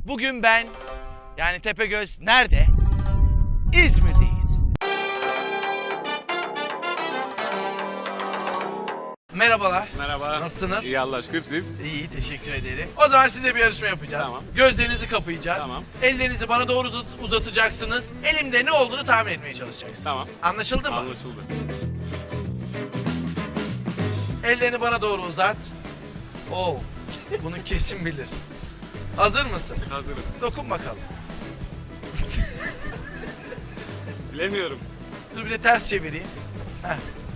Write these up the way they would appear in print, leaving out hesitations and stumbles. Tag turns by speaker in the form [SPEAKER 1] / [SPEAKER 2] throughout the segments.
[SPEAKER 1] Bugün ben, yani Tepegöz nerede? İzmir'deyiz. Merhabalar.
[SPEAKER 2] Merhaba.
[SPEAKER 1] Nasılsınız?
[SPEAKER 2] İyi Allah aşkına siz.
[SPEAKER 1] İyi, teşekkür ederim. O zaman sizinle bir yarışma yapacağız.
[SPEAKER 2] Tamam.
[SPEAKER 1] Gözlerinizi kapayacağız.
[SPEAKER 2] Tamam.
[SPEAKER 1] Ellerinizi bana doğru uzatacaksınız. Elimde ne olduğunu tahmin etmeye çalışacaksınız.
[SPEAKER 2] Tamam.
[SPEAKER 1] Anlaşıldı mı?
[SPEAKER 2] Anlaşıldı.
[SPEAKER 1] Ellerini bana doğru uzat. Oo, bunu kesin bilir. Hazır mısın?
[SPEAKER 2] Hazırım.
[SPEAKER 1] Dokun bakalım.
[SPEAKER 2] Bilemiyorum.
[SPEAKER 1] Dur bir de ters çevireyim. Heh,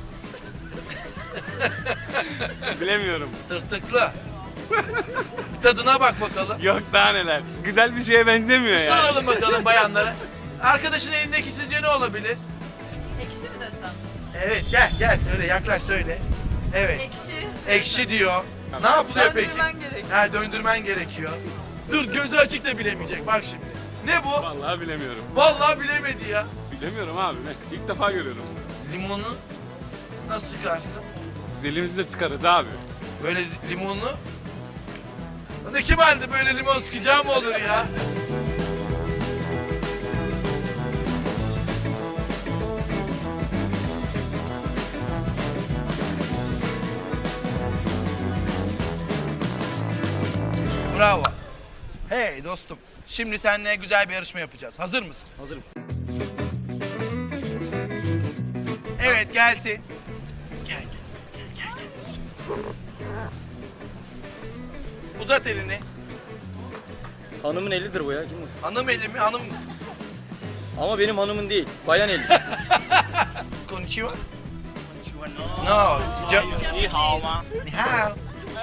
[SPEAKER 2] Bilemiyorum.
[SPEAKER 1] tırtıklı. Bir tadına bak bakalım.
[SPEAKER 2] Yok daha neler. Güzel bir şeye benzemiyor yani.
[SPEAKER 1] Soralım bakalım bayanlara. Arkadaşın elindeki sizce ne olabilir?
[SPEAKER 3] Ekşi mi desem?
[SPEAKER 1] Evet, gel söyle, yaklaş söyle. Evet.
[SPEAKER 3] Ekşi.
[SPEAKER 1] Ekşi diyor.
[SPEAKER 2] Tamam.
[SPEAKER 1] Ne yapılıyor peki?
[SPEAKER 3] Döndürmen gerekiyor.
[SPEAKER 1] Ha, döndürmen gerekiyor. Dur, gözü açık da bilemeyecek bak şimdi. Ne bu?
[SPEAKER 2] Vallahi bilemiyorum.
[SPEAKER 1] Vallahi bilemedi ya.
[SPEAKER 2] Bilemiyorum abi. Ne? İlk defa görüyorum.
[SPEAKER 1] Limonu nasıl sıkarsın?
[SPEAKER 2] Biz elimizle sıkarız abi.
[SPEAKER 1] Böyle limonlu. Hadi kim halde böyle limon sıkacağı mı olur ya? Bravo. Hey dostum. Şimdi seninle güzel bir yarışma yapacağız. Hazır mısın?
[SPEAKER 4] Hazırım.
[SPEAKER 1] Evet, gelsin. Gel. Uzat elini.
[SPEAKER 4] Hanımın elidir bu ya. Kim bu?
[SPEAKER 1] Hanım eli mi? Hanım.
[SPEAKER 4] Ama benim hanımın değil. Bayan eli.
[SPEAKER 1] Konnichiwa. No.
[SPEAKER 4] Ni hao ma.
[SPEAKER 1] Ni hao.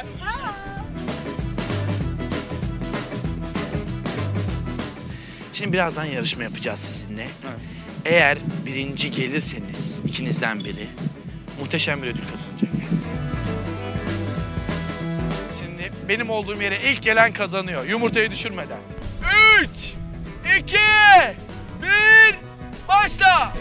[SPEAKER 1] Şimdi birazdan yarışma yapacağız sizinle. Eğer birinci gelirseniz ikinizden biri muhteşem bir ödül kazanacaksınız. Şimdi benim olduğum yere ilk gelen kazanıyor. Yumurtayı düşürmeden. 3, 2, 1, başla!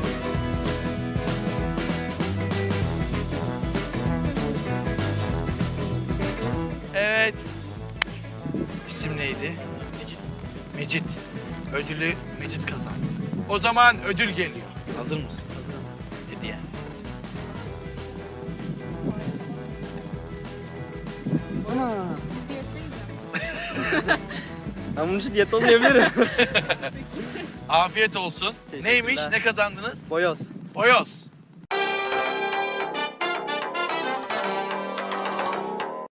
[SPEAKER 1] Evet. İsim neydi? Mecit. Ödülü Mecit kazandı. O zaman ödül geliyor. Hazır mısın? Hazırım. Hediye.
[SPEAKER 4] Ben bunun için diyette olmayabilirim.
[SPEAKER 1] Afiyet olsun.
[SPEAKER 4] Teşekkürler.
[SPEAKER 1] Neymiş? Ne kazandınız?
[SPEAKER 4] Boyoz.
[SPEAKER 1] Boyoz.